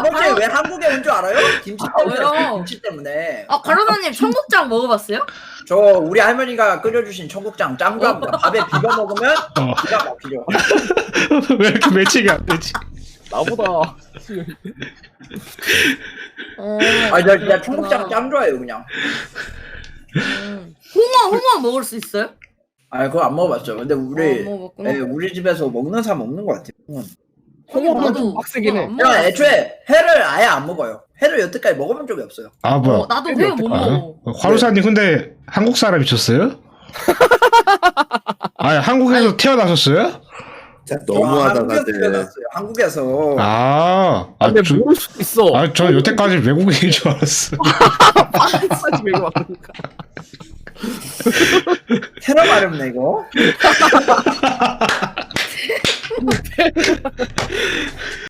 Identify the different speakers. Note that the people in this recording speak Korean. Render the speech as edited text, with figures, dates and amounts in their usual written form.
Speaker 1: 아버지 왜 한국에 온 줄 알아요? 김치 때문에.
Speaker 2: 왜요?
Speaker 1: 김치 때문에.
Speaker 2: 아 가로사님 청국장 먹어봤어요?
Speaker 1: 저 우리 할머니가 끓여주신 청국장 짱 좋아합니다. 밥에 비벼 먹으면 기가 막히죠.
Speaker 3: 왜 이렇게 매칭이 안 되지?
Speaker 4: 나보다.
Speaker 1: 아니 나 청국장 짱 좋아해요 그냥.
Speaker 2: 홍어 먹을 수 있어요?
Speaker 1: 아 그거 안 먹어봤죠. 근데 우리
Speaker 2: 먹었구나.
Speaker 1: 우리 집에서 먹는 사람 먹는 것 같아요.
Speaker 4: 홍어는 좀 빡세긴 해.
Speaker 1: 제가 애초에 회를 아예 안 먹어요. 회를 여태까지 먹어본 적이 없어요.
Speaker 3: 아 뭐야?
Speaker 2: 나도 회 못 먹어.
Speaker 3: 화루사님 근데 한국 사람이셨어요? 아니 한국에서 태어나셨어요?
Speaker 1: 한국에서
Speaker 5: 너무하다가
Speaker 1: 태어났어요. 한국에서.
Speaker 4: 근데 모를 수도 있어.
Speaker 3: 저 여태까지 외국인인 줄 알았어.
Speaker 4: 빠지 외국 왔으니까.
Speaker 1: 테러 마렵네 이거.